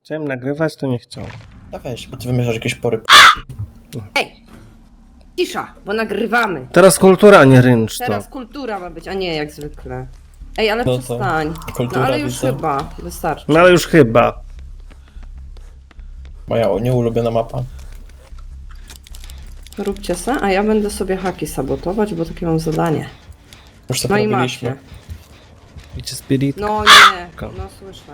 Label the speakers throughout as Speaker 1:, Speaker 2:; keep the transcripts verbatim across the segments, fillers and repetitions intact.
Speaker 1: Chciałem nagrywać, to nie chciał.
Speaker 2: No weź, bo ty wymyślasz jakieś pory.
Speaker 3: Ej! Cisza, bo nagrywamy.
Speaker 1: Teraz kultura, a nie ryncz to.
Speaker 3: Teraz kultura ma być, a nie jak zwykle. Ej, ale
Speaker 2: No to
Speaker 3: przestań.
Speaker 2: kultura,
Speaker 3: No ale już
Speaker 2: widzę.
Speaker 3: chyba, wystarczy.
Speaker 1: No ale już chyba.
Speaker 2: Moja nieulubiona mapa.
Speaker 3: Róbcie se, a ja będę sobie haki sabotować, bo takie mam zadanie.
Speaker 2: Już to
Speaker 3: No i
Speaker 2: robiliśmy.
Speaker 3: macie.
Speaker 1: Widzicie spirit?
Speaker 3: No nie,
Speaker 1: Ko.
Speaker 3: no słyszę.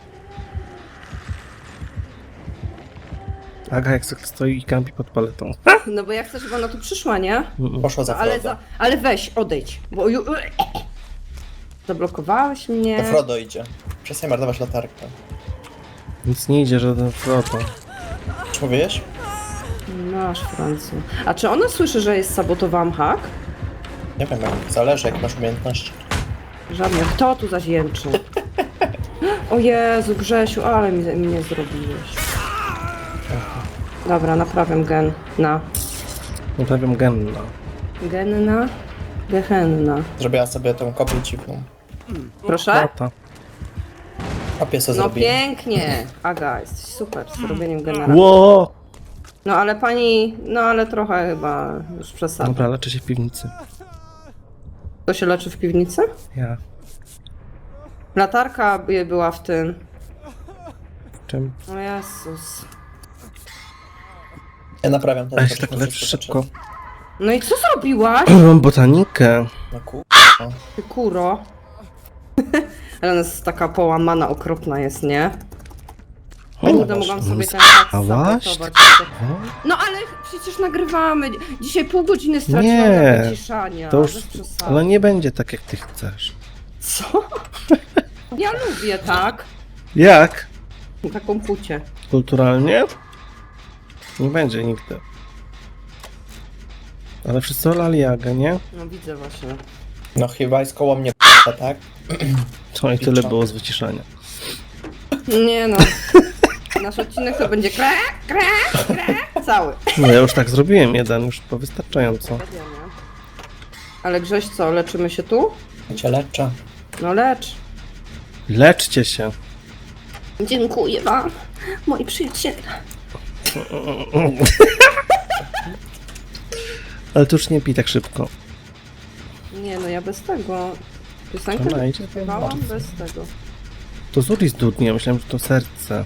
Speaker 1: Aga jak zwykle stoi i kampi pod paletą.
Speaker 3: No bo ja chcę, żeby ona tu przyszła, nie?
Speaker 2: Poszła za
Speaker 3: No, ale,
Speaker 2: Frodo.
Speaker 3: za, ale weź, odejdź, bo ju... Zablokowałeś
Speaker 2: To
Speaker 3: mnie.
Speaker 2: Frodo idzie. Przestań marnować latarkę.
Speaker 1: Nic nie idzie, żaden Frodo.
Speaker 2: Czy mówisz?
Speaker 3: Masz, Francu. A czy ona słyszy, że jest sabotowałam hak?
Speaker 2: Nie wiem, jak zależy, jak masz umiejętności.
Speaker 3: Żadnych. Kto tu zaś jęczy? O Jezu, Grzesiu, ale mi, mi nie zrobiłeś. Dobra, naprawiam gen na.
Speaker 1: Naprawiam genna.
Speaker 3: Genna? Gehenna.
Speaker 2: Zrobiła sobie tą kopię dziwną.
Speaker 3: Proszę?
Speaker 1: Tata.
Speaker 2: Kopię sobie
Speaker 3: No
Speaker 2: zrobiła.
Speaker 3: pięknie. Aga, jesteś super z robieniem generatora.
Speaker 1: Ło!
Speaker 3: No ale pani, no ale trochę chyba już przesada.
Speaker 1: Dobra, leczę się w piwnicy.
Speaker 3: To się leczy w piwnicy?
Speaker 1: Ja.
Speaker 3: Latarka by- była w tym.
Speaker 1: W czym?
Speaker 3: O Jezus.
Speaker 2: Ja naprawiam ten
Speaker 1: A ja się
Speaker 2: to
Speaker 1: tak
Speaker 2: muszę
Speaker 1: leczę
Speaker 2: zobaczyć.
Speaker 1: szybko.
Speaker 3: No i co zrobiłaś?
Speaker 1: Mam botanikę.
Speaker 2: No ku...
Speaker 3: Ty kuro. Ale ona jest taka połamana, okropna jest, nie? Kurde, mogłam sobie ten tak
Speaker 1: Spałaś?
Speaker 3: sabotować. No ale przecież nagrywamy. Dzisiaj pół godziny straciłam
Speaker 1: Nie,
Speaker 3: na wyciszania.
Speaker 1: To już...
Speaker 3: Bez przesady.
Speaker 1: Ale nie będzie tak, jak ty chcesz.
Speaker 3: Co? Ja lubię tak.
Speaker 1: Jak?
Speaker 3: Taką pucię.
Speaker 1: Kulturalnie? Nie będzie nigdy. Ale wszyscy olali Agę, nie?
Speaker 3: No widzę właśnie.
Speaker 2: No chyba jest koło mnie tak?
Speaker 1: Co i tyle było z wyciszania.
Speaker 3: Nie no. Nasz odcinek to będzie kre, kre, kre, cały.
Speaker 1: No ja już tak zrobiłem jeden, już to wystarczająco.
Speaker 3: Ale Grześ co, leczymy się tu?
Speaker 2: Ja cię leczę.
Speaker 3: No lecz.
Speaker 1: Leczcie się.
Speaker 3: Dziękuję wam, moi przyjaciele.
Speaker 1: Ale to już nie pij tak szybko.
Speaker 3: Nie no, ja bez tego. Piosenkę
Speaker 1: Ona idzie, to
Speaker 3: śpiewałam bez tego.
Speaker 1: To Zuri zdudnie, myślałem, że to serce.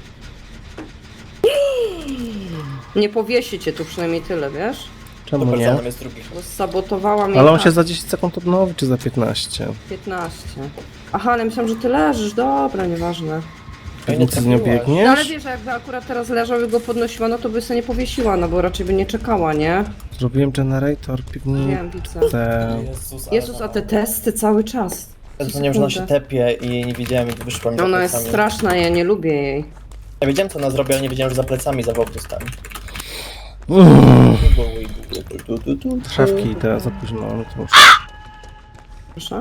Speaker 3: Nie powiesi cię tu przynajmniej tyle, wiesz?
Speaker 1: Czemu nie?
Speaker 2: Dobrodzonem jest drugi.
Speaker 3: Bo sabotowałam jej
Speaker 1: Ale on
Speaker 3: tak,
Speaker 1: się za dziesięć sekund odnowi, czy za piętnaście?
Speaker 3: piętnaście. Aha, ale myślałam, że ty leżysz, dobra, nieważne.
Speaker 2: Ja nie
Speaker 1: Nic nie
Speaker 2: trafiłaś.
Speaker 3: No ale
Speaker 1: biegniesz?
Speaker 3: wiesz, jakby akurat teraz leżał i go podnosiła, no to by sobie nie powiesiła, no bo raczej by nie czekała, nie?
Speaker 1: Zrobiłem generator, piwnicę.
Speaker 3: Wiem, widzę.
Speaker 2: Jezus,
Speaker 3: Jezus, a te testy cały czas.
Speaker 2: Ja dzwoniłem, że ona się tepie i nie wiedziałem, jak wyszła mi za
Speaker 3: Ona jest
Speaker 2: plecami.
Speaker 3: straszna, ja nie lubię jej.
Speaker 2: Ja wiedziałem, co ona zrobi, ale nie wiedziałem, że za plecami zawoł dostałem.
Speaker 1: Uff, Szafki teraz za późno, no to już.
Speaker 3: Proszę?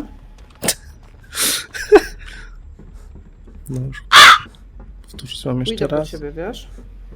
Speaker 1: No już. Powtórzyć mam jeszcze
Speaker 3: Pójdę po
Speaker 1: raz.
Speaker 3: ciebie, wiesz?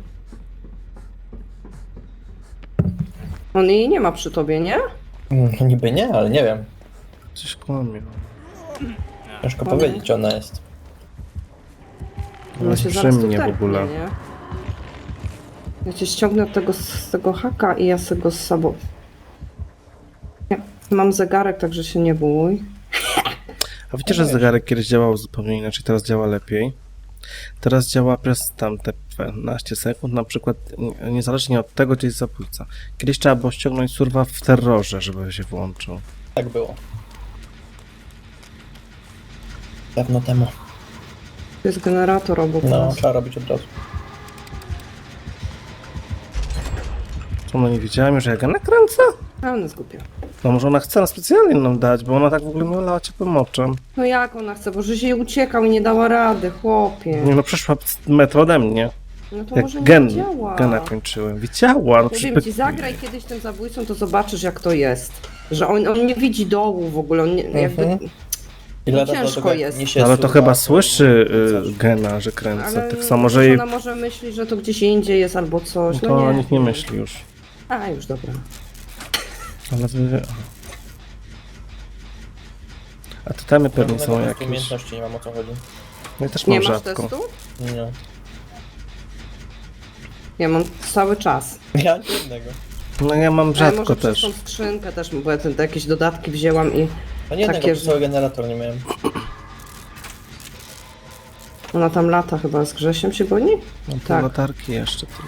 Speaker 3: On jej nie ma przy tobie, nie?
Speaker 2: Mm, niby nie, ale nie wiem.
Speaker 1: Coś kłamie.
Speaker 2: Ciężko
Speaker 3: Mamy.
Speaker 2: powiedzieć, gdzie ona jest.
Speaker 1: Ona jest
Speaker 3: się
Speaker 1: przy
Speaker 3: zaraz tu
Speaker 1: mnie w
Speaker 3: tepnie,
Speaker 1: ogóle.
Speaker 3: nie? Ja cię ściągnę od tego, z tego haka i ja sobie go z sobą... Nie, mam zegarek, także się nie bój.
Speaker 1: A wiecie, że zegarek kiedyś działał zupełnie inaczej, teraz działa lepiej? Teraz działa przez tam te piętnaście sekund, na przykład nie- niezależnie od tego, gdzie jest zabójca. Kiedyś trzeba było ściągnąć surwa w terrorze, żeby się włączył.
Speaker 2: Tak było. Dawno temu.
Speaker 3: To jest generator obok
Speaker 2: No,
Speaker 3: nas.
Speaker 2: trzeba robić od razu.
Speaker 1: Co, no nie wiedziałem, że ja go nakręcę?
Speaker 3: A ona zgubiła.
Speaker 1: No może ona chce na specjalnie nam dać, bo ona tak w ogóle nie olała ciepłym oczem.
Speaker 3: No jak ona chce, bo że się uciekał i nie dała rady, chłopie.
Speaker 1: Nie no, przeszła metr ode mnie.
Speaker 3: No to
Speaker 1: Jak
Speaker 3: może nie
Speaker 1: gen,
Speaker 3: działa.
Speaker 1: gena kończyłem. Widziała, no
Speaker 3: Powiem
Speaker 1: przecież...
Speaker 3: ci, zagraj kiedyś tym zabójcą, to zobaczysz jak to jest. Że on, on nie widzi dołu w ogóle, on nie, jakby...
Speaker 2: Mhm. I lata
Speaker 3: ciężko
Speaker 2: do tego, jak
Speaker 3: jest.
Speaker 2: niesie
Speaker 1: Ale to
Speaker 2: surwa,
Speaker 1: chyba
Speaker 2: to-
Speaker 1: słyszy
Speaker 2: coś.
Speaker 1: y, gena, że kręcę.
Speaker 3: Ale
Speaker 1: Tak samo, że
Speaker 3: że
Speaker 1: jej...
Speaker 3: ona może myśli, że to gdzieś indziej jest albo coś,
Speaker 1: No
Speaker 3: no,
Speaker 1: to
Speaker 3: nie.
Speaker 1: nikt nie myśli już.
Speaker 3: A, już dobra.
Speaker 1: Ale wy... A te temy pewnie są
Speaker 2: Żadnego
Speaker 1: jakieś.
Speaker 2: umiejętności nie mam, o co chodzi.
Speaker 1: Ja też
Speaker 3: Nie
Speaker 1: mam
Speaker 3: masz
Speaker 1: rzadko.
Speaker 3: testu?
Speaker 2: Nie.
Speaker 3: Ja mam cały czas.
Speaker 2: Ja nic jednego.
Speaker 1: No ja mam
Speaker 3: Ale
Speaker 1: rzadko
Speaker 3: może przez
Speaker 1: też.
Speaker 3: tą skrzynkę też, bo ja te, te jakieś dodatki wzięłam i
Speaker 2: No nie jednego,
Speaker 3: Takie,
Speaker 2: bo
Speaker 3: że-
Speaker 2: cały generator nie miałem.
Speaker 3: ona tam lata chyba z Grzesiem się goni?
Speaker 1: No te
Speaker 3: Tak.
Speaker 1: latarki jeszcze tylko.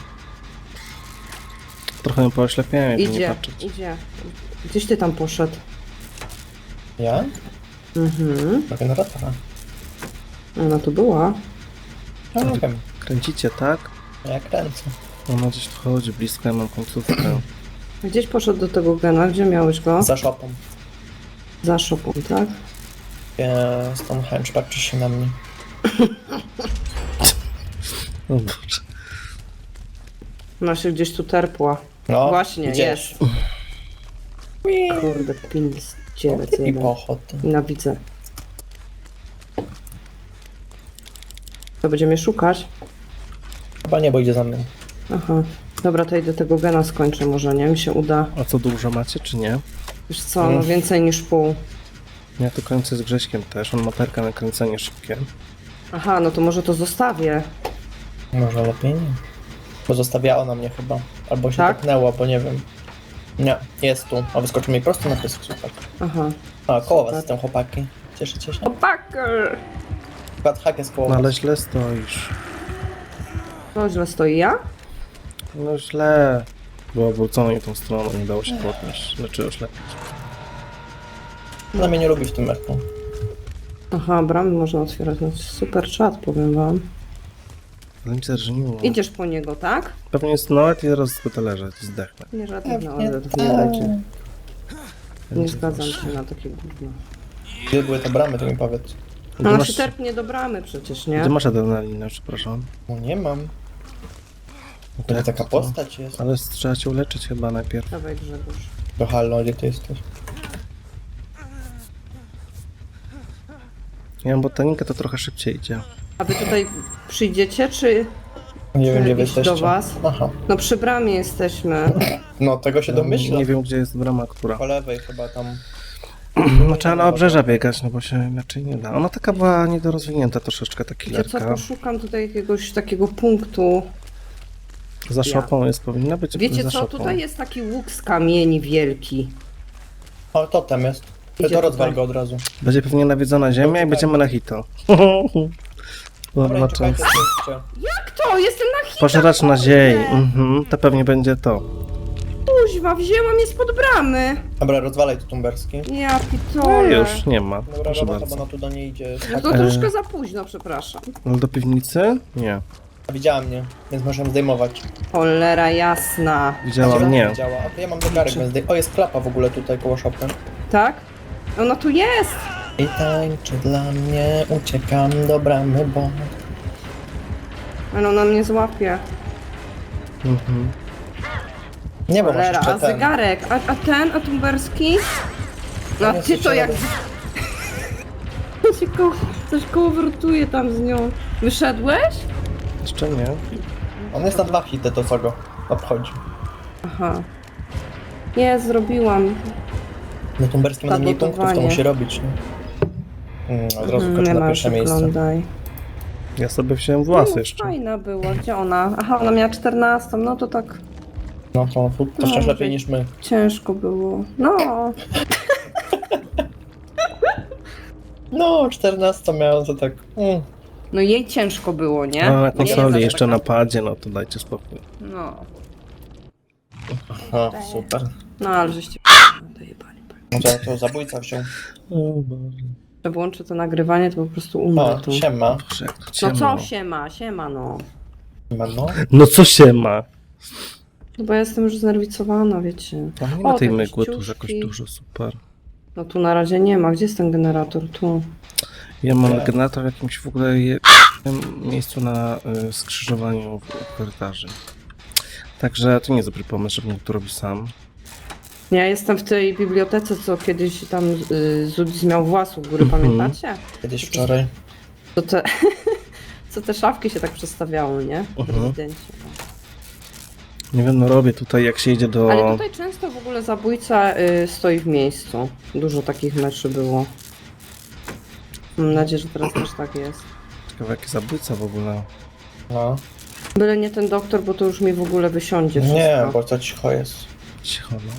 Speaker 1: Trochę ją pooślepiałem, jakby nie
Speaker 3: Idzie,
Speaker 1: patrzeć.
Speaker 3: idzie. Gdzieś ty tam poszedł?
Speaker 2: Ja?
Speaker 3: Mhm.
Speaker 2: Do generatora.
Speaker 3: Ona tu była.
Speaker 2: No nie wiem.
Speaker 1: Kręcicie, tak?
Speaker 2: Ja kręcę.
Speaker 1: Ona gdzieś tu chodzi blisko, ja mam końcówkę.
Speaker 3: Gdzieś poszedł do tego gena, gdzie miałeś go?
Speaker 2: Za szopą.
Speaker 3: Za szopą, tak?
Speaker 2: Jest Stonehenge, patrzy się na mnie.
Speaker 1: O Boże.
Speaker 3: Ona się gdzieś tu terpła.
Speaker 2: No,
Speaker 3: Właśnie,
Speaker 2: gdzieś.
Speaker 3: jest. Kurde, pinis, cielec
Speaker 2: I
Speaker 3: jeden.
Speaker 2: pochod.
Speaker 3: Nienawidzę. To będziemy szukać?
Speaker 2: Chyba nie, bo idzie za mną.
Speaker 3: Aha. Dobra, to idę tego gena skończę może, nie? Mi się uda.
Speaker 1: A co, dużo macie, czy nie?
Speaker 3: Wiesz co, no więcej niż pół.
Speaker 1: Ja tu kończę z Grześkiem też, on ma perka na kręcenie szybkie.
Speaker 3: Aha, no to może to zostawię.
Speaker 2: Może lepiej nie. Bo zostawiała na mnie chyba. Albo się
Speaker 3: Tak?
Speaker 2: tepnęła, bo nie wiem. Nie, jest tu. A wyskoczył mi prosto na pysk, super.
Speaker 3: Aha.
Speaker 2: A, koło was
Speaker 3: Super.
Speaker 2: jestem, chłopaki. Cieszycie się?
Speaker 3: Opaker!
Speaker 2: Skład hak jest koło
Speaker 1: No
Speaker 2: was.
Speaker 1: ale źle stoisz.
Speaker 3: To źle stoi ja?
Speaker 1: No źle. Było obrócone tą stroną, nie dało się podnieść. Znaczy oślepić.
Speaker 2: Ona mnie nie lubi w tym meczu.
Speaker 3: Aha, bramy można otwierać. No, super czat, powiem wam.
Speaker 1: Ale mi zerżniło.
Speaker 3: Idziesz po niego, tak?
Speaker 1: Pewnie jest nawet i zaraz będę leżeć, zdechnę.
Speaker 3: Nie żadnych
Speaker 2: Pewnie
Speaker 3: naładów, nie
Speaker 2: tak.
Speaker 3: dajcie. Nie
Speaker 1: Będzie
Speaker 3: zgadzam
Speaker 1: proszę.
Speaker 3: się na takie gówno.
Speaker 2: Gdzie były te bramy, to mi powiedz.
Speaker 1: Gdzie
Speaker 3: No ona
Speaker 1: masz,
Speaker 3: się terpnie do bramy przecież, nie?
Speaker 1: gdzie masz adrenalinę, przepraszam?
Speaker 2: No nie mam.
Speaker 1: No
Speaker 2: To
Speaker 1: jak
Speaker 2: taka
Speaker 1: to?
Speaker 2: postać jest.
Speaker 1: Ale trzeba cię uleczyć chyba najpierw.
Speaker 3: Dawaj Grzegorz.
Speaker 2: To halo, gdzie ty jesteś?
Speaker 1: Ja mam botanikę, to trochę szybciej idzie.
Speaker 3: A wy tutaj przyjdziecie, czy...
Speaker 2: Nie wiem, gdzie wy
Speaker 3: iść do
Speaker 2: jesteście.
Speaker 3: was?
Speaker 2: Aha.
Speaker 3: No przy bramie jesteśmy.
Speaker 2: No, tego się domyślam.
Speaker 1: Nie wiem, gdzie jest brama, która.
Speaker 2: Po lewej chyba tam.
Speaker 1: No trzeba na obrzeża biegać, no bo się inaczej nie da. Ona taka była niedorozwinięta troszeczkę, ta
Speaker 3: Wiecie co,
Speaker 1: killerka.
Speaker 3: poszukam tutaj jakiegoś takiego punktu.
Speaker 1: Za szopą jest, powinna być
Speaker 3: Wiecie
Speaker 1: za
Speaker 3: co,
Speaker 1: szopą.
Speaker 3: tutaj jest taki łuk z kamieni wielki.
Speaker 2: O, totem jest. Ty
Speaker 3: Idzie
Speaker 2: to rozwal
Speaker 3: tutaj.
Speaker 2: go od razu.
Speaker 1: Będzie pewnie nawiedzona ziemia i
Speaker 2: Czekaj.
Speaker 1: będziemy na hito.
Speaker 2: Dobra,
Speaker 1: Dobra,
Speaker 2: i czekajcie,
Speaker 1: czas.
Speaker 2: co
Speaker 3: Kto? Jestem na hita!
Speaker 1: Pożeracz na ziemi.
Speaker 3: kurde!
Speaker 1: Mhm, to pewnie będzie to.
Speaker 3: Kuźwa, wzięłam je spod bramy.
Speaker 2: Dobra, rozwalaj to tumberski.
Speaker 3: Ja
Speaker 1: No
Speaker 3: pitole.
Speaker 1: już, nie ma.
Speaker 2: Dobra,
Speaker 1: Proszę
Speaker 2: robota, bo
Speaker 1: bardzo.
Speaker 2: ona tu do niej idzie.
Speaker 3: No to
Speaker 1: E.
Speaker 3: troszkę za późno, przepraszam.
Speaker 1: Ale do piwnicy? Nie.
Speaker 2: A widziała mnie, więc możemy zdejmować.
Speaker 3: Cholera jasna.
Speaker 1: Widziała
Speaker 2: Gdzie
Speaker 1: mnie.
Speaker 2: Widziała. A to ja mam zegarek, więc zdej... O, jest klapa w ogóle tutaj koło szopy.
Speaker 3: Tak? Ona tu jest!
Speaker 2: I tańczy dla mnie, uciekam do bramy, bo...
Speaker 3: Ale ona mnie złapie.
Speaker 1: Mhm.
Speaker 2: Nie, bo masz
Speaker 3: Cholera,
Speaker 2: jeszcze
Speaker 3: a
Speaker 2: ten.
Speaker 3: zegarek? A, a ten, a tumberski? No a
Speaker 2: Tam
Speaker 3: ty
Speaker 2: jest
Speaker 3: to
Speaker 2: jeszcze
Speaker 3: jak...
Speaker 2: jeden.
Speaker 3: Coś koło, coś koło wrotuje tam z nią. Wyszedłeś?
Speaker 1: Jeszcze nie.
Speaker 2: On jest na dwa hity, to co go obchodzi.
Speaker 3: Aha. Nie, zrobiłam.
Speaker 2: No tumberski ma mniej punktów, to
Speaker 3: Sabotowanie.
Speaker 2: musi robić, nie? Mm, od razu
Speaker 3: Mm,
Speaker 2: kończy
Speaker 3: nie
Speaker 2: na
Speaker 3: ma,
Speaker 2: pierwsze miejsce.
Speaker 3: oglądaj.
Speaker 1: Ja sobie wziąłem włosy
Speaker 3: No,
Speaker 1: jeszcze.
Speaker 3: fajna była. Gdzie ona? Aha, ona miała czternastą. No to tak
Speaker 2: No to, to, to wciąż
Speaker 3: No,
Speaker 2: lepiej niż my.
Speaker 3: ciężko było. No.
Speaker 2: No, czternaście miałem, to tak... Mm.
Speaker 3: No jej ciężko było, nie?
Speaker 1: No, na
Speaker 3: Nie
Speaker 1: konsoli
Speaker 3: jest
Speaker 1: jeszcze
Speaker 3: taka-
Speaker 1: na padzie, no to dajcie spokój.
Speaker 3: No.
Speaker 2: O, super.
Speaker 3: No, ale żeście dojebali.
Speaker 2: No to, to zabójca wziął.
Speaker 1: O Boże.
Speaker 3: Jak włączę to nagrywanie, to po prostu umrę
Speaker 2: O,
Speaker 3: tu.
Speaker 2: siema.
Speaker 1: Boże, jak to
Speaker 3: No
Speaker 1: ciemno.
Speaker 3: co siema, siema no.
Speaker 2: Siema, no.
Speaker 1: No co się ma?
Speaker 3: No bo ja jestem już znerwicowana, wiecie.
Speaker 1: A nie ma
Speaker 3: O,
Speaker 1: tej
Speaker 3: te
Speaker 1: mygły tu
Speaker 3: ciuszki.
Speaker 1: jakoś dużo, super.
Speaker 3: No tu na razie nie ma. Gdzie jest ten generator? Tu.
Speaker 1: Ja mam
Speaker 2: Nie.
Speaker 1: generator w jakimś w ogóle je... miejscu na y, skrzyżowaniu w- korytarzy. Także to nie jest dobry pomysł, żebym to robił sam.
Speaker 3: Ja jestem w tej bibliotece, co kiedyś tam y, Zudis miał włas u góry,
Speaker 1: Mhm.
Speaker 3: pamiętacie?
Speaker 2: Kiedyś wczoraj.
Speaker 3: To te, co te szafki się tak przestawiały, nie? W
Speaker 1: Mhm.
Speaker 3: rezydencie.
Speaker 1: Nie wiem, no robię tutaj, jak się idzie do...
Speaker 3: Ale tutaj często w ogóle zabójca y, stoi w miejscu. Dużo takich meczy było. Mam nadzieję, że teraz też tak jest.
Speaker 1: Ciekawe, jaki zabójca w ogóle.
Speaker 2: No.
Speaker 3: Byle nie ten doktor, bo to już mi w ogóle wysiądzie wszystko.
Speaker 2: Nie, bo to cicho jest.
Speaker 1: Cicho, no.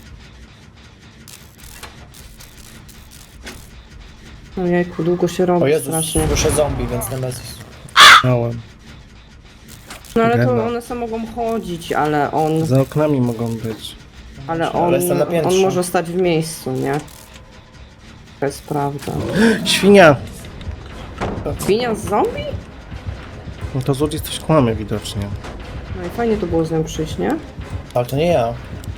Speaker 3: Ojejku, długo się robi
Speaker 2: O Jezus,
Speaker 3: strasznie.
Speaker 2: słyszę zombie, więc Nemesis.
Speaker 1: Małem.
Speaker 3: No ale to
Speaker 1: Gena.
Speaker 3: one sam mogą chodzić, ale on...
Speaker 1: Za oknami mogą być.
Speaker 3: Ale
Speaker 2: Ale
Speaker 3: on,
Speaker 2: jestem na
Speaker 3: on
Speaker 2: piętrze.
Speaker 3: może stać w miejscu, nie? To jest prawda.
Speaker 1: Świnia!
Speaker 3: Świnia z zombie?
Speaker 1: No to złodziej coś kłamie widocznie.
Speaker 3: No i fajnie to było z nią przyjść, nie?
Speaker 2: Ale to nie ja.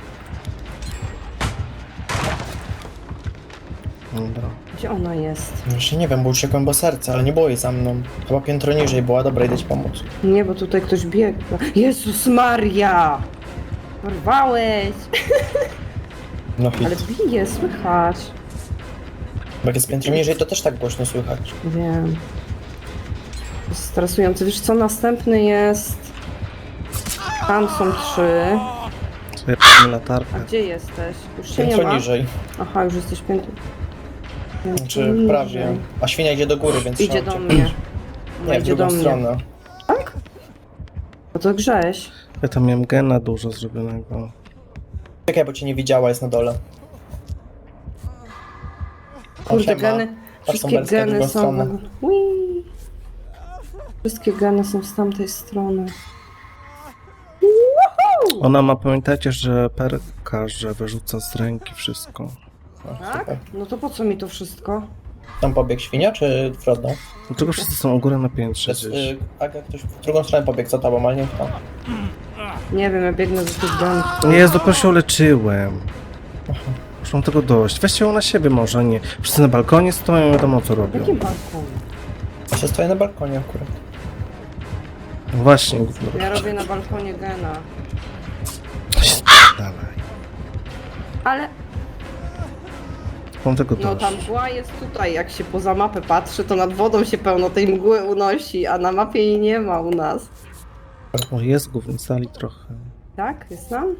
Speaker 1: Dobra.
Speaker 3: Gdzie ona jest?
Speaker 2: Jeszcze nie wiem, bo uciekłem, bo serce, ale nie było jej za mną. Chyba piętro niżej była, dobra, idę ci pomóc.
Speaker 3: Nie, bo tutaj ktoś biegł. Jezus Maria! Porwałeś!
Speaker 2: No
Speaker 3: Ale
Speaker 2: hit.
Speaker 3: bije, słychać.
Speaker 2: Bo jak jest piętro niżej, to też tak głośno słychać.
Speaker 3: Wiem. To jest stresujące. Wiesz co, następny jest... Tam są trzy.
Speaker 1: Sobie p***nie
Speaker 3: A
Speaker 1: latarkę.
Speaker 3: gdzie jesteś? Już się nie
Speaker 2: Piętro
Speaker 3: ma?
Speaker 2: niżej.
Speaker 3: Aha, już jesteś piętro. Piętro
Speaker 2: Znaczy
Speaker 3: niżej.
Speaker 2: prawie. A świnia idzie do góry, więc
Speaker 3: Idzie
Speaker 2: trzeba
Speaker 3: do
Speaker 2: uciekać.
Speaker 3: mnie. Ona
Speaker 2: Nie, w
Speaker 3: idzie do
Speaker 2: drugą
Speaker 3: mnie.
Speaker 2: stronę.
Speaker 3: No to grześ.
Speaker 1: Ja tam miałem gena dużo zrobionego.
Speaker 2: Czekaj, bo cię nie widziała, jest na dole. O,
Speaker 3: Kurde,
Speaker 2: siema.
Speaker 3: geny. Wszystkie
Speaker 2: Berska w
Speaker 3: geny
Speaker 2: drugą
Speaker 3: są...
Speaker 2: stronę.
Speaker 3: Ui. Wszystkie geny są z tamtej strony.
Speaker 1: Ona ma, pamiętajcie, że perka, że wyrzuca z ręki wszystko.
Speaker 2: O,
Speaker 3: Tak?
Speaker 2: super.
Speaker 3: No to po co mi to wszystko?
Speaker 2: Tam pobiegł świnia, czy Frodo?
Speaker 1: Dlaczego wszyscy są u góry na piętrze
Speaker 2: Jest,
Speaker 1: gdzieś?
Speaker 2: y, Aga, ktoś w drugą stronę pobiegł za tobą, ale nie kto.
Speaker 3: Nie wiem, ja biegnę do tych genów.
Speaker 1: Nie, dopiero się uleczyłem. Już mam tego dość. Weźcie ją na siebie może, nie. Wszyscy na balkonie stoją, wiadomo co robią.
Speaker 3: Jaki balkon?
Speaker 2: Ja się stoję na balkonie akurat.
Speaker 1: No właśnie, gówno.
Speaker 3: Ja robię na balkonie gena.
Speaker 1: Dawaj.
Speaker 3: Ale
Speaker 1: Mam tego
Speaker 3: no
Speaker 1: dość.
Speaker 3: ta mgła jest tutaj. Jak się poza mapę patrzy, to nad wodą się pełno tej mgły unosi, a na mapie jej nie ma u nas.
Speaker 1: O, jest gówno, stali trochę.
Speaker 3: Tak? Jest tam?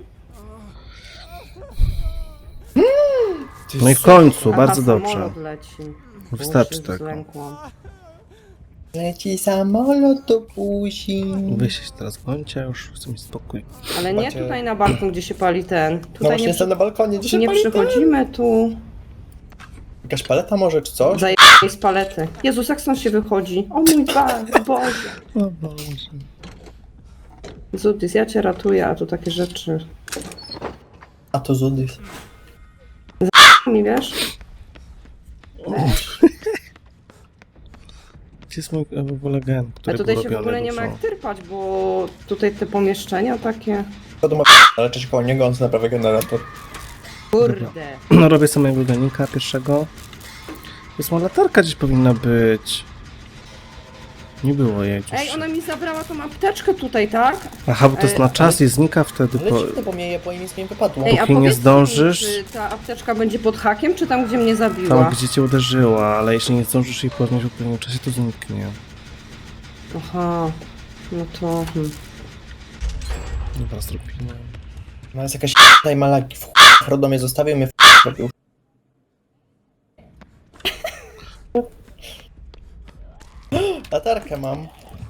Speaker 1: No i w końcu,
Speaker 3: Aha,
Speaker 1: bardzo dobrze.
Speaker 3: samolot leci.
Speaker 1: Wystarczy
Speaker 3: Bo się
Speaker 1: tego.
Speaker 3: zlękłam.
Speaker 2: Leci samolot do buzi.
Speaker 1: Wy się teraz bądźcie, już chcę mieć spokój.
Speaker 3: Ale nie
Speaker 2: Macie-
Speaker 3: tutaj na balkon, gdzie się pali ten.
Speaker 2: No
Speaker 3: Tutaj
Speaker 2: właśnie
Speaker 3: nie,
Speaker 2: jestem na balkonie, gdzie się
Speaker 3: nie
Speaker 2: pali
Speaker 3: przychodzimy tu.
Speaker 2: Jakaś paleta może, czy coś?
Speaker 3: Zajebaj z palety. Jezus, jak stąd się wychodzi? O mój Ba- Boże.
Speaker 1: O Boże.
Speaker 3: Zudis, ja cię ratuję, a tu takie rzeczy.
Speaker 2: A to Zudys.
Speaker 3: Mi wiesz?
Speaker 1: Gdzie jest mój e, w ogóle gen,
Speaker 3: A
Speaker 1: który
Speaker 3: tutaj
Speaker 1: był
Speaker 3: się w
Speaker 1: robiony
Speaker 3: ogóle nie ma
Speaker 1: dużo?
Speaker 3: jak tyrpać, bo tutaj te pomieszczenia takie...
Speaker 2: To do ale cześć koło niego, on sobie naprawia generator.
Speaker 3: Kurde.
Speaker 1: No robię sobie mojego genika pierwszego. Jest moja latarka gdzieś powinna być. Nie było jej gdzieś.
Speaker 3: Ej, ona mi zabrała tą apteczkę tutaj, tak?
Speaker 1: Aha, bo to jest
Speaker 3: Ej,
Speaker 1: na
Speaker 3: ale-
Speaker 1: czas i znika wtedy
Speaker 2: Ale
Speaker 1: po...
Speaker 2: dziwne, bo mnie je po imię nie wypadło.
Speaker 3: Ej, a
Speaker 1: Póki nie
Speaker 3: powiedz
Speaker 1: zdążysz-
Speaker 3: mi, czy ta apteczka będzie pod hakiem, czy tam, gdzie mnie zabiła?
Speaker 1: Tam gdzie cię uderzyła, ale jeśli nie zdążysz jej podnieść w odpowiednim czasie, to zniknie.
Speaker 3: Aha, no to... Hmm.
Speaker 1: Dobra, zrobimy.
Speaker 2: No jest jakaś tutaj malaki w chuj. Frodo mnie zostawił, mnie w robił. Latarkę mam.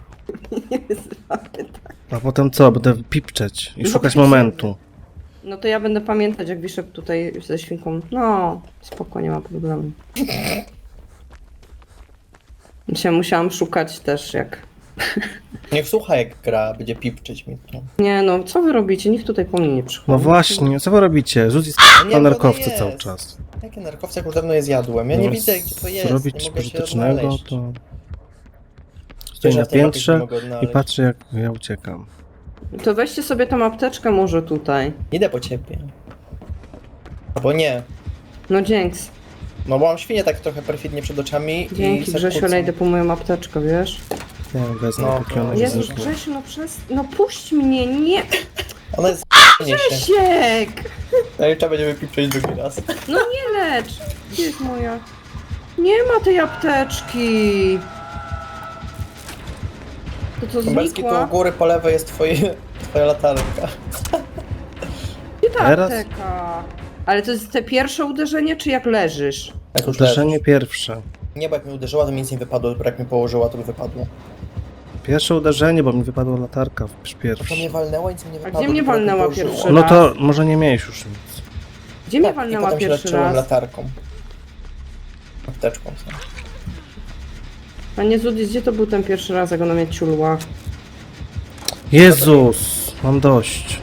Speaker 1: A potem co? Będę pipczeć i
Speaker 3: No
Speaker 1: szukać
Speaker 3: pipczemy.
Speaker 1: momentu.
Speaker 3: No to ja będę pamiętać, jak wiszę tutaj ze świnką. No, spoko, nie ma problemu. Dzisiaj musiałam szukać też, jak...
Speaker 2: Niech słucha jak gra, będzie pipczyć mi to.
Speaker 3: Nie no, co wy robicie? Nikt tutaj po mnie nie przychodzi.
Speaker 1: No właśnie, co wy robicie? Rzucić
Speaker 2: nie,
Speaker 1: na
Speaker 2: bo
Speaker 1: narkowce
Speaker 2: jest.
Speaker 1: cały czas.
Speaker 2: Jakie narkowce, jak już dawno je zjadłem. Ja nie
Speaker 1: No,
Speaker 2: widzę, gdzie to jest.
Speaker 1: Zrobić
Speaker 2: nie
Speaker 1: coś
Speaker 2: mogę się
Speaker 1: pożytecznego,
Speaker 2: odnaleźć.
Speaker 1: to... Stoję
Speaker 2: Że
Speaker 1: na
Speaker 2: w tej mapie się
Speaker 1: piętrze
Speaker 2: nie mogę
Speaker 1: i
Speaker 2: odnaleźć.
Speaker 1: patrzę jak ja uciekam.
Speaker 3: To weźcie sobie tą apteczkę może tutaj.
Speaker 2: Idę po ciebie. Albo nie.
Speaker 3: No dzięks.
Speaker 2: No bo mam świnię tak trochę perfidnie przed oczami
Speaker 3: Dzięki
Speaker 2: i se
Speaker 3: Grzesiu, ale
Speaker 2: kłócą.
Speaker 3: idę po moją apteczkę, wiesz?
Speaker 1: Ja ją wezmę,
Speaker 2: No,
Speaker 1: póki ona
Speaker 2: to-
Speaker 1: nie
Speaker 3: Jezus,
Speaker 1: zniknie.
Speaker 3: Grzesiu, no przez... No puść mnie, nie!
Speaker 2: Ona jest nie się.
Speaker 3: Siek!
Speaker 2: No i trzeba będzie wypipczeć drugi raz.
Speaker 3: No nie lecz! Gdzie jest moja? Nie ma tej apteczki! To co,
Speaker 2: Lubelski, tu u
Speaker 3: znikła?
Speaker 2: góry po lewej jest twoje, twoja latarka.
Speaker 3: Gdzie ta
Speaker 1: Teraz?
Speaker 3: apteka? Ale to jest te pierwsze uderzenie, czy jak leżysz?
Speaker 2: Jak już
Speaker 1: Uderzenie
Speaker 2: leżysz.
Speaker 1: pierwsze.
Speaker 2: Nie, bo jak mi uderzyła, to mi nic nie wypadło, dopiero jak mi położyła, to by wypadło.
Speaker 1: Pierwsze uderzenie, bo mi wypadła latarka w
Speaker 2: To
Speaker 1: pierwszy.
Speaker 2: mnie walnęło, nic mi nie wypadło.
Speaker 3: gdzie mnie
Speaker 2: dopiero
Speaker 3: walnęła
Speaker 2: położyło.
Speaker 3: pierwszy
Speaker 1: No
Speaker 3: raz?
Speaker 1: to może nie miałeś już nic.
Speaker 3: Gdzie mnie
Speaker 2: Tak, i
Speaker 3: walnęła
Speaker 2: potem się
Speaker 3: pierwszy
Speaker 2: leczyłem
Speaker 3: raz?
Speaker 2: latarką. Apteczką. co?
Speaker 3: Panie Zudis, gdzie to był ten pierwszy raz, jak ona mnie ciulła?
Speaker 1: Jezus, mam dość.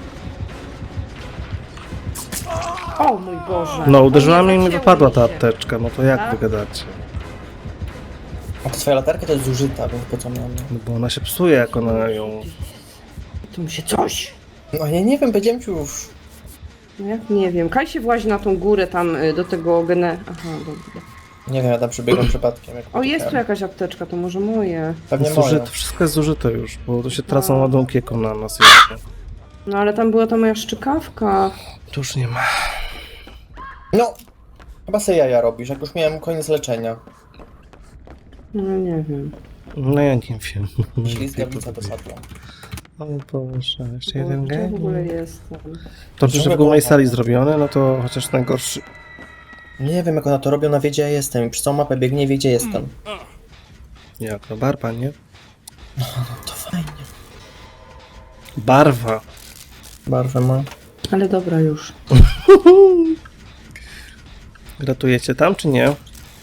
Speaker 3: O mój Boże.
Speaker 1: No, uderzyła
Speaker 3: O nie,
Speaker 1: mnie i mi
Speaker 3: zacięło
Speaker 1: wypadła
Speaker 3: mi
Speaker 1: ta
Speaker 3: się.
Speaker 1: apteczka, no to jak
Speaker 3: Tak?
Speaker 1: wy gadacie?
Speaker 2: A to twoja latarka to jest zużyta, więc po co miałem?
Speaker 1: No bo ona się psuje, jak ona ją...
Speaker 3: Tu mi się coś.
Speaker 2: No ja nie wiem, powiedziałem ci już.
Speaker 3: No jak nie wiem. Kaj się włazi na tą górę tam y, do tego gene... Aha, dobra.
Speaker 2: Nie wiem, ja tam przebiegłem przypadkiem. Jak
Speaker 3: O, jest tu
Speaker 2: uciekałem.
Speaker 3: jakaś apteczka, to może moje.
Speaker 2: Pewnie
Speaker 1: Jest
Speaker 2: moja.
Speaker 1: zużyte, wszystko jest zużyte już, bo to się tracą
Speaker 3: A.
Speaker 1: ładunki jako na nas jeszcze.
Speaker 3: No ale tam była ta moja szczykawka.
Speaker 1: Tu już nie ma.
Speaker 2: No! Chyba sobie jaja robisz, jak już miałem koniec leczenia.
Speaker 3: No nie wiem.
Speaker 1: No ja nie wiem.
Speaker 2: Ślizgawica dosadła.
Speaker 1: O Boże, jeszcze
Speaker 3: Bo
Speaker 1: jeden
Speaker 3: gdzie w ogóle
Speaker 1: gen.
Speaker 3: jestem?
Speaker 1: To, że w głównej sali zrobione, no to chociaż najgorszy.
Speaker 2: Nie wiem, jak ona to robi, ona wie, gdzie ja jestem. I przez całą mapę biegnie, wie, gdzie jestem.
Speaker 1: Jak to barwa, nie?
Speaker 2: To fajnie.
Speaker 1: Barwa.
Speaker 2: Barwę ma.
Speaker 3: Ale dobra już.
Speaker 1: Gratujecie tam, czy nie?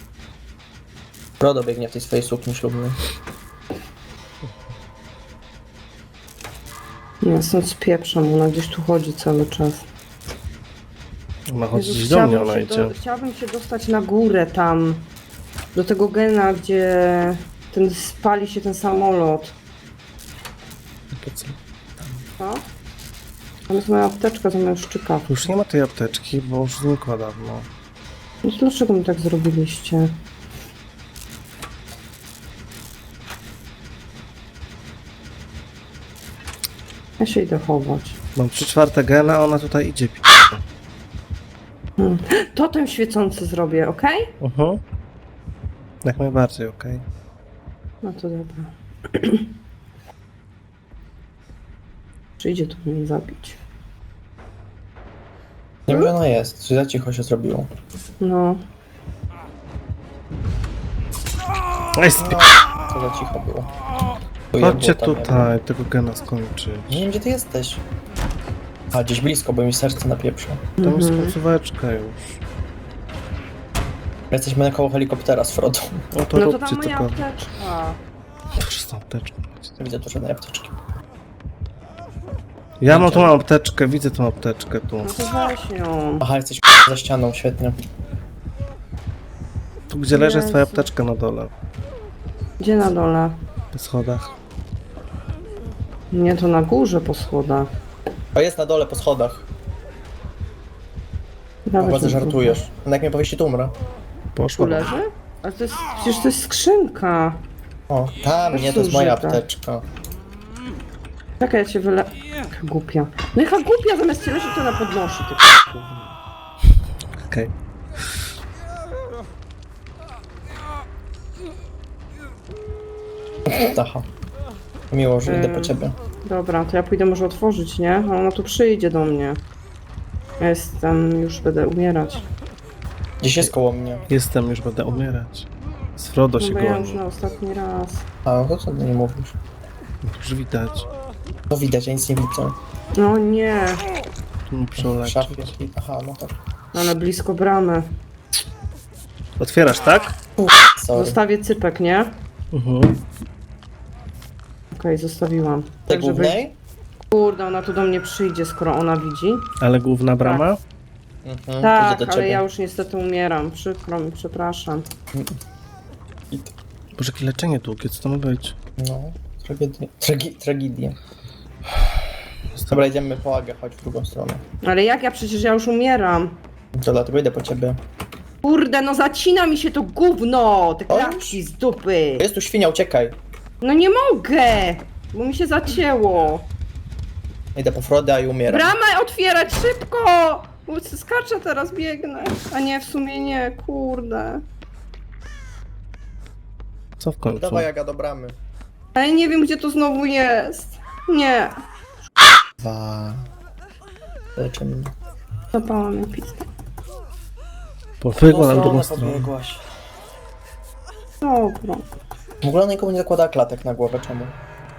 Speaker 2: Frodo biegnie w tej swojej sukni ślubnej.
Speaker 3: Nie, stąd spieprzam, ona gdzieś tu chodzi cały czas.
Speaker 1: Ma chodzić
Speaker 3: Jezus,
Speaker 1: do mnie,
Speaker 3: chciałabym
Speaker 1: ona
Speaker 3: się
Speaker 1: idzie.
Speaker 3: do, chciałabym się dostać na górę tam. Do tego gena, gdzie ten spali się ten samolot.
Speaker 1: Po co?
Speaker 3: Co? Tam jest moja apteczka zamiast szczyka.
Speaker 1: Już nie ma tej apteczki, bo już znikła dawno.
Speaker 3: No to dlaczego mi tak zrobiliście? Ja się idę chować.
Speaker 1: Mam trzy czwarte gena, a ona tutaj idzie. pi-
Speaker 3: Hmm. Totem świecący zrobię, ok?
Speaker 1: Mhm. Jak najbardziej, okej.
Speaker 3: No to dobra. Przyjdzie tu mnie zabić.
Speaker 2: Nie wiem, gdzie ona jest. Czy za cicho się zrobiło?
Speaker 3: No.
Speaker 1: Ej, spi-
Speaker 2: Co za cicho było?
Speaker 1: Chodźcie
Speaker 2: Ujebło tam,
Speaker 1: tutaj, tego gena skończyć.
Speaker 2: Nie wiem, gdzie ty jesteś. A, gdzieś blisko, bo mi serce napieprza.
Speaker 1: Tam jest
Speaker 3: Mhm.
Speaker 1: końcóweczka już.
Speaker 2: Jesteśmy na koło helikoptera z Frodą.
Speaker 1: No to
Speaker 3: No to
Speaker 1: róbcie
Speaker 3: tam moja
Speaker 1: tylko.
Speaker 3: apteczka.
Speaker 1: Proszę z tą apteczką.
Speaker 2: Nie widzę tu żadnej apteczki.
Speaker 1: Ja mam tu mam apteczkę, widzę tą apteczkę tu.
Speaker 3: No to weź ją.
Speaker 2: Aha, jesteś za ścianą, świetnie.
Speaker 1: Tu gdzie leży jest twoja
Speaker 3: Jezu.
Speaker 1: apteczka na dole.
Speaker 3: Gdzie na dole?
Speaker 1: Po schodach.
Speaker 3: Nie, to na górze po schodach.
Speaker 2: O, jest na dole, po schodach.
Speaker 3: Dawaj
Speaker 2: Chyba, że
Speaker 3: ten
Speaker 2: żartujesz. No jak mnie powiesi, to umrę.
Speaker 3: Tu
Speaker 1: Poszła.
Speaker 3: leży? Ale to jest, przecież to jest skrzynka.
Speaker 2: O, tam, nie, to jest moja apteczka.
Speaker 3: Czekaj, ja cię wyle... Jaka głupia. No jaka głupia, zamiast cię leżeć, to na podnosi. Ty.
Speaker 1: Okej.
Speaker 2: Aha. Miło, że idę po
Speaker 3: Ym.
Speaker 2: ciebie.
Speaker 3: Dobra, to ja pójdę może otworzyć, nie? A ona tu przyjdzie do mnie. Ja jestem, już będę umierać.
Speaker 2: Gdzieś jest koło mnie.
Speaker 1: Jestem, już będę umierać. Z Frodo
Speaker 3: No
Speaker 1: się
Speaker 3: bo ja już
Speaker 1: goni.
Speaker 3: na ostatni raz.
Speaker 2: A, no to co ty nie mówisz?
Speaker 1: Już widać.
Speaker 2: To widać, ja nic nie widzę.
Speaker 3: No nie,
Speaker 1: Tu mi
Speaker 2: W
Speaker 1: przeuleci.
Speaker 2: szafie. Aha, no tak.
Speaker 3: ale blisko bramy.
Speaker 1: Otwierasz, tak?
Speaker 2: Sorry.
Speaker 3: Zostawię cypek, nie?
Speaker 1: Mhm.
Speaker 3: Okej, zostawiłam.
Speaker 2: Tej
Speaker 3: Tak, żeby...
Speaker 2: głównej?
Speaker 3: Kurde, ona tu do mnie przyjdzie, skoro ona widzi.
Speaker 1: Ale główna brama?
Speaker 2: Mhm,
Speaker 3: Tak,
Speaker 2: idę do
Speaker 3: ale
Speaker 2: ciebie.
Speaker 3: ja już niestety umieram. Przykro mi, przepraszam.
Speaker 1: Boże, jakie leczenie długie, co to ma być?
Speaker 2: No, tragedia. Tragi tragedia. Dobra, idziemy po Agę, chodź w drugą stronę.
Speaker 3: Ale jak ja przecież ja już umieram.
Speaker 2: To dlatego idę po ciebie.
Speaker 3: Kurde, no zacina mi się to gówno! Te
Speaker 2: O.
Speaker 3: klatki z dupy!
Speaker 2: Jest tu świnia, uciekaj.
Speaker 3: No nie mogę! Bo mi się zacięło.
Speaker 2: Idę po Frodę i umieram.
Speaker 3: Bramę otwierać szybko! Bo skaczę teraz, biegnę. A nie, w sumie nie, kurde.
Speaker 1: Co w końcu?
Speaker 2: Dawaj Aga do bramy.
Speaker 3: Ale nie wiem, gdzie to znowu jest. Nie.
Speaker 2: Dwa. Leczy mnie.
Speaker 3: Zapała mnie pizda.
Speaker 1: Pobiegła na drugą
Speaker 2: No,
Speaker 1: stronę.
Speaker 2: pobiegłaś.
Speaker 3: Dobra.
Speaker 2: W ogóle ona nikomu nie zakłada klatek na głowę, czemu?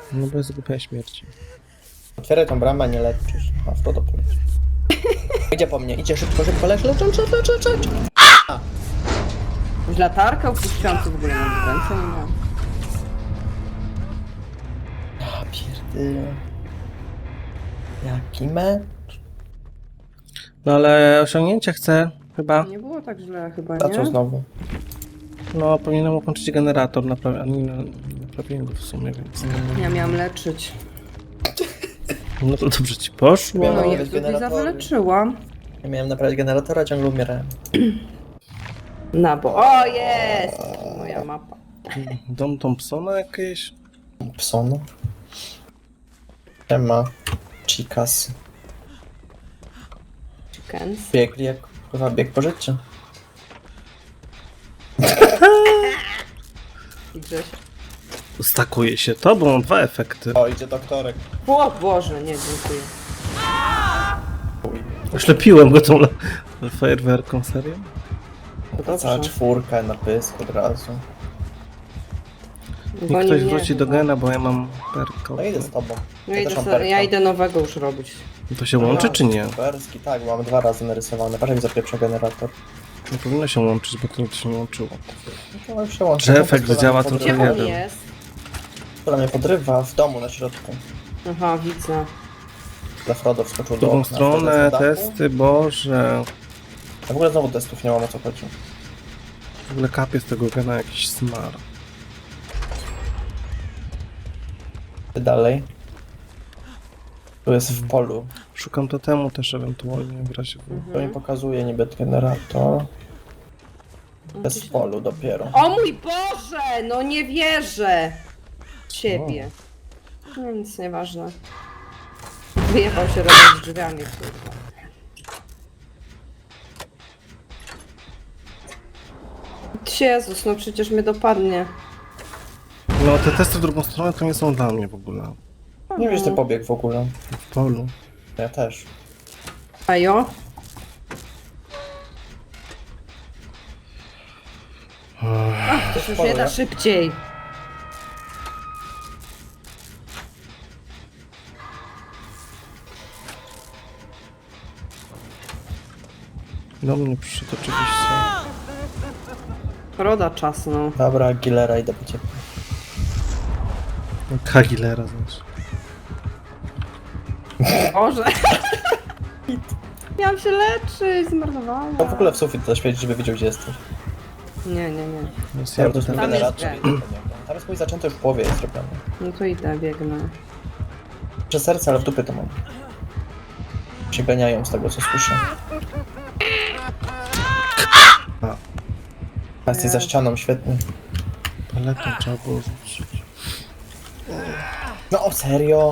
Speaker 1: No bo jest głupia śmierci.
Speaker 2: Otwieraj tą bramę, nie leczysz. A w to to pójdź. Idzie po mnie, idzie szybko, szybko, lecz, lecz, lecz, lecz, lecz, lecz.
Speaker 3: Już latarkę opuściłam, co w ogóle mam w ręce, nie mam.
Speaker 2: Ja pierdolę. Jaki mecz?
Speaker 1: No ale osiągnięcie chcę, chyba.
Speaker 3: Nie było tak źle chyba,
Speaker 2: A co
Speaker 3: nie?
Speaker 2: znowu?
Speaker 1: No, powinienem ukończyć generator, naprawi- a nie naprawiłem go w sumie, więc...
Speaker 3: Ja miałam leczyć.
Speaker 1: No to dobrze ci poszło.
Speaker 2: Miałem
Speaker 3: No
Speaker 2: naprawiać
Speaker 3: jest, Liza
Speaker 2: generatory.
Speaker 3: wyleczyłam.
Speaker 2: Ja miałem naprawić generatora, ciągle umierałem.
Speaker 3: Na bo... O, jest! Moja mapa.
Speaker 1: Dom Thompsona jakieś?
Speaker 2: Pson. Ema. Chicas.
Speaker 3: Chickens.
Speaker 2: Biegli jak chyba bieg po życiu.
Speaker 3: I Grześ.
Speaker 1: Stakuje się to, bo mam dwa efekty.
Speaker 2: O, idzie doktorek.
Speaker 3: O Boże, nie, dziękuję.
Speaker 1: Oślepiłem go tą le- fajerwerką, serio?
Speaker 3: To
Speaker 2: Cała
Speaker 3: dobrze.
Speaker 2: czwórka na pysk od razu.
Speaker 1: Niech
Speaker 3: Goni
Speaker 1: ktoś
Speaker 3: mnie
Speaker 1: wróci do
Speaker 3: chyba.
Speaker 1: gena, bo ja mam perko.
Speaker 2: No idę z tobą.
Speaker 3: Ja
Speaker 2: Ja
Speaker 3: idę,
Speaker 2: też mam
Speaker 3: so,
Speaker 2: perka.
Speaker 3: ja idę nowego już robić.
Speaker 1: To się łączy czy nie?
Speaker 2: Perski, tak, mam dwa razy narysowane. Patrz jak zapieprza generator.
Speaker 1: Nie powinno się łączyć, bo to nigdy się nie łączyło.
Speaker 2: No to już się łączy.
Speaker 1: Że efekt
Speaker 2: Która
Speaker 1: działa
Speaker 2: mnie
Speaker 1: tylko
Speaker 3: Gdzie
Speaker 2: podrywa-
Speaker 1: jeden.
Speaker 3: on jest?
Speaker 2: Która mnie podrywa w domu na środku.
Speaker 3: Aha, widzę.
Speaker 2: Dla Frodo wskoczył
Speaker 1: W
Speaker 2: do
Speaker 1: drugą
Speaker 2: okna.
Speaker 1: stronę,
Speaker 2: wtedy z dachu.
Speaker 1: testy, boże.
Speaker 2: A w ogóle znowu testów nie mam, o co chodzi.
Speaker 1: W ogóle kapie z tego gena jakiś smar.
Speaker 2: Dalej. Tu jest w polu.
Speaker 1: Szukam totemu też ewentualnie w razie w...
Speaker 2: To mi pokazuje niby generator. To jest w polu dopiero.
Speaker 3: O mój Boże! No nie wierzę! Ciebie. No nic, nieważne. Wyjechał się robić drzwiami, kurwa. Jezus, no przecież mnie dopadnie.
Speaker 1: No te testy w drugą stronę to nie są dla mnie w ogóle.
Speaker 2: Nie wiesz, ty pobiegł w ogóle.
Speaker 1: W polu.
Speaker 2: Ja też.
Speaker 3: Ajo? Ach, to się już nie da szybciej.
Speaker 1: Do mnie przyszedł oczywiście.
Speaker 3: Roda czas, no.
Speaker 2: Dobra, Aguilera idę po ciebie.
Speaker 1: Kagilera znaczy.
Speaker 3: Boże. Miałam się leczyć, zmarnowałam.
Speaker 2: No w ogóle w sufit zaświecić, żeby wiedział, gdzie jesteś.
Speaker 3: Nie, nie, nie.
Speaker 1: Więc
Speaker 2: Ja
Speaker 1: ja
Speaker 2: to jest mój
Speaker 1: będę...
Speaker 3: Tam jest
Speaker 2: generator.
Speaker 3: gen.
Speaker 2: idę po niego. Tam jest mój zaczęty już w połowie jest zrobiony.
Speaker 3: No to idę, biegnę.
Speaker 2: Przez serce, ale w dupie to mam. Się ganiają z tego, co słyszę.
Speaker 1: A.
Speaker 2: A jesteś za ścianą, świetnie.
Speaker 1: Paletą trzeba było rzucić.
Speaker 2: No o serio?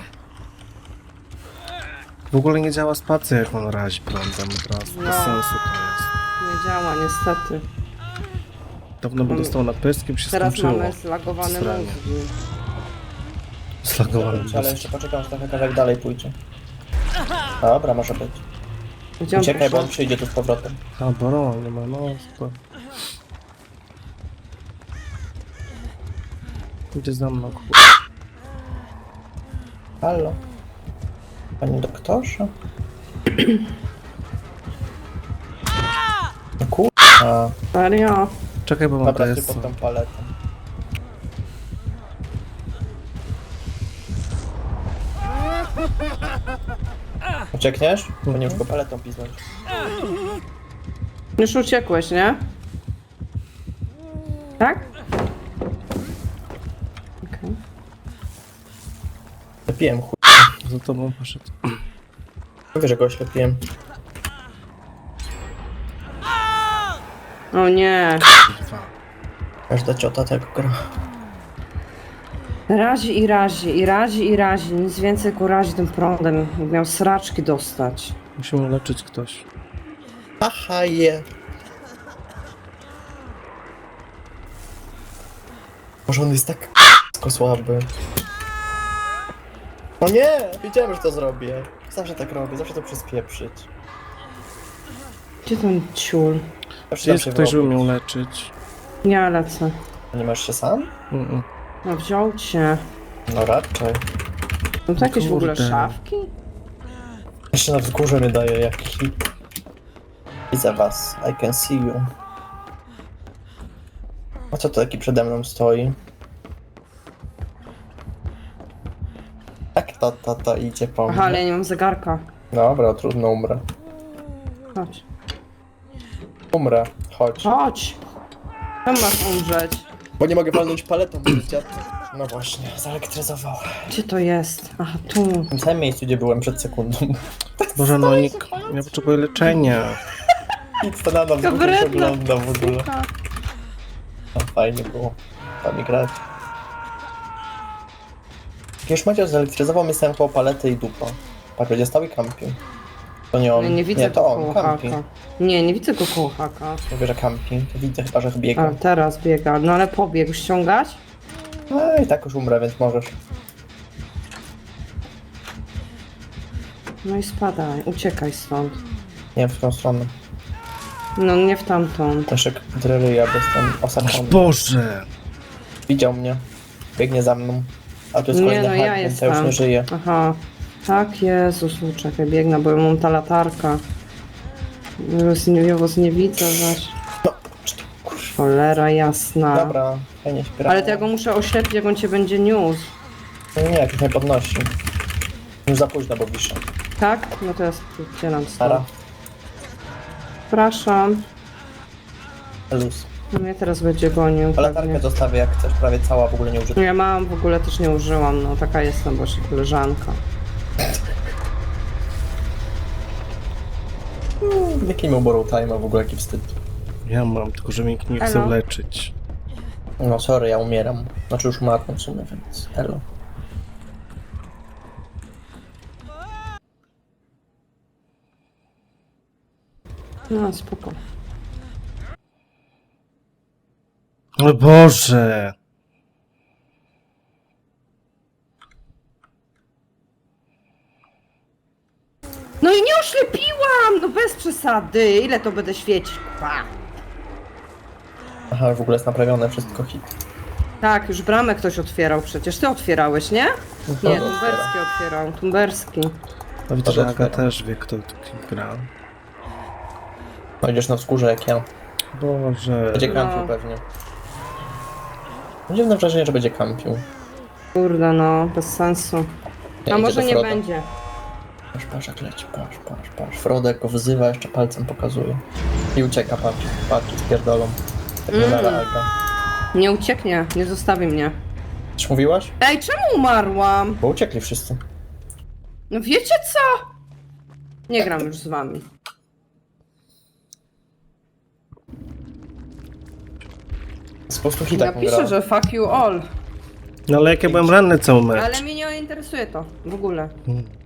Speaker 1: W ogóle nie działa spacja, jak on razi prądem od razu. Bez
Speaker 3: No.
Speaker 1: sensu to jest.
Speaker 3: Nie działa, niestety.
Speaker 1: Dawno by
Speaker 3: Mamy-
Speaker 1: dostał na pysk i by się
Speaker 3: Teraz
Speaker 1: skończyło.
Speaker 3: mamy zlagowane
Speaker 1: Sranie.
Speaker 3: mózgi.
Speaker 1: Zlagowany
Speaker 2: Ale
Speaker 1: mózg.
Speaker 2: jeszcze poczekam, że trochę kawałek dalej pójdzie. Dobra, może być.
Speaker 3: Gdzie on
Speaker 2: Uciekaj, bo on
Speaker 3: poszedł?
Speaker 2: przyjdzie tu z powrotem.
Speaker 1: A, Boron, nie ma, no super. Idzie za mną, kurwa.
Speaker 2: Halo? Panie doktorze? No kurwa.
Speaker 3: Serio?
Speaker 1: Czekaj, bo mam
Speaker 2: Dobra, ty
Speaker 1: T S.
Speaker 2: pod tą paletą. Uciekniesz? Bo nie już go paletą piznąć.
Speaker 3: Już uciekłeś, nie? Tak? Okej.
Speaker 2: Lepiłem chuj.
Speaker 1: Za tobą poszedł.
Speaker 2: Mówię, że go oślepiłem.
Speaker 3: O nie.
Speaker 1: Kurwa.
Speaker 2: Każda ciota tego gra.
Speaker 3: Razi i razi, i razi i razi. Nic więcej ku razi tym prądem. Miał sraczki dostać.
Speaker 1: Musimy leczyć ktoś.
Speaker 2: Aha, je. Może on jest tak k***ko słaby. O nie! Wiedziałem, że to zrobię. Zawsze tak robię, zawsze to przyspieprzyć.
Speaker 3: Gdzie ten ciul?
Speaker 2: Zawsze
Speaker 1: Czy jest
Speaker 2: się
Speaker 1: ktoś, żeby
Speaker 2: wyrobić.
Speaker 1: mnie leczyć?
Speaker 3: Ja lecę.
Speaker 2: Nie masz się sam?
Speaker 1: Mm -mm.
Speaker 3: No wziął cię.
Speaker 2: No raczej.
Speaker 3: No to jakieś w ogóle
Speaker 1: Kurde.
Speaker 3: szafki?
Speaker 2: Jeszcze na wzgórze mi daje jakiś hit. Widzę was, I can see you. A co to taki przede mną stoi? Jak ta, ta, ta idzie po mnie?
Speaker 3: Aha, ale ja nie mam zegarka.
Speaker 2: Dobra, trudno, umrę.
Speaker 3: Chodź.
Speaker 2: Umrę, chodź.
Speaker 3: Chodź! Tam masz umrzeć.
Speaker 2: Bo nie mogę walnąć paletą, bo dziad... No właśnie, zelektryzował.
Speaker 3: Gdzie to jest? Aha, tu.
Speaker 2: W tym samym miejscu, gdzie byłem przed sekundą.
Speaker 1: Boże, no nikt nie potrzebuje leczenia.
Speaker 2: Nic to na nas
Speaker 3: To
Speaker 2: się
Speaker 3: wredna
Speaker 2: ogląda w ogóle.
Speaker 3: suka.
Speaker 2: No, fajnie było tam grać. Już Maciej zelektryzował mnie stałem koło palety i dupa. Patrz, będzie stał i kampi. To nie on.
Speaker 3: Nie, nie widzę
Speaker 2: nie,
Speaker 3: go
Speaker 2: to
Speaker 3: koło
Speaker 2: on, kampi.
Speaker 3: haka. Nie, nie widzę go koło haka.
Speaker 2: Mówię, że kampi. To widzę chyba, że
Speaker 3: A,
Speaker 2: biega.
Speaker 3: teraz biega. No ale pobiegł. Ściągać?
Speaker 2: No i tak już umrę, więc możesz.
Speaker 3: No i spadaj. Uciekaj stąd.
Speaker 2: Nie, w tą stronę.
Speaker 3: No nie w tamtą.
Speaker 2: Leszek dreryja, bo jestem osaczony.
Speaker 1: Boże!
Speaker 2: Widział mnie. Biegnie za mną. A tu jest
Speaker 3: Nie,
Speaker 2: kolejny
Speaker 3: no
Speaker 2: hak,
Speaker 3: ja
Speaker 2: więc ja już
Speaker 3: jestem.
Speaker 2: nie żyję.
Speaker 3: Aha. Tak, Jezus, no czekaj, biegnę, bo ja mam ta latarka. Już nie, ja was nie widzę zaś.
Speaker 2: No,
Speaker 3: Cholera jasna.
Speaker 2: dobra, fajnie śpiewa.
Speaker 3: Ale to ja go muszę oślepić, jak on cię będzie niósł.
Speaker 2: Nie, nie, jakoś mnie podnosi. Już za późno, bo wiszę.
Speaker 3: Tak? No to ja spierdzielam
Speaker 2: Stara,
Speaker 3: stąd. Przepraszam.
Speaker 2: luz.
Speaker 3: No mnie teraz będzie gonił
Speaker 2: A latarkę
Speaker 3: pewnie.
Speaker 2: zostawię jak chcesz, prawie cała, w ogóle nie użyta.
Speaker 3: No ja mam, w ogóle też nie użyłam, no taka jestem właśnie koleżanka.
Speaker 2: Jaki miał borrow time, w ogóle jaki wstyd.
Speaker 1: Ja mam, tylko że mnie nikt nie chce
Speaker 3: Elo?
Speaker 1: leczyć.
Speaker 2: No sorry, ja umieram. Znaczy już umarłem w sumie, więc elo.
Speaker 3: No spoko.
Speaker 1: O Boże!
Speaker 3: No i nie oślepiłam! No bez przesady! Ile to będę świecić? Pa.
Speaker 2: Aha, w ogóle jest naprawione wszystko, hit.
Speaker 3: Tak, już bramę ktoś otwierał przecież. Ty otwierałeś, nie?
Speaker 2: No,
Speaker 3: Nie,
Speaker 2: to
Speaker 3: Tumberski otwierał. Tumberski.
Speaker 1: No widzę, że
Speaker 2: Dobra,
Speaker 1: Aga
Speaker 2: otwieram.
Speaker 1: też wie, kto tu gra.
Speaker 2: No idziesz na wskórze jak ja.
Speaker 1: Boże.
Speaker 2: Będzie
Speaker 3: No.
Speaker 2: kampił pewnie. Mam dziwne wrażenie, że będzie kampił.
Speaker 3: Kurde no, bez sensu.
Speaker 2: Nie,
Speaker 3: A
Speaker 2: idzie
Speaker 3: może
Speaker 2: do
Speaker 3: nie
Speaker 2: Froda.
Speaker 3: będzie.
Speaker 2: Patrz, patrz jak leci, patrz, patrz, patrz. Frodek go wyzywa, jeszcze palcem pokazuje. I ucieka, patrz, patrz, spierdolą. Tak nie
Speaker 3: Mm.
Speaker 2: mm. Aga.
Speaker 3: Nie ucieknie, nie zostawi mnie.
Speaker 2: Coś mówiłaś?
Speaker 3: Ej, czemu umarłam?
Speaker 2: Bo uciekli wszyscy.
Speaker 3: No wiecie co? Nie gram już z wami.
Speaker 2: Z po prostu hitak
Speaker 3: Napiszę, że fuck you all.
Speaker 1: No ale jak ja byłem ranny cały mecz.
Speaker 3: Ale mnie nie interesuje to w ogóle.
Speaker 1: Hmm.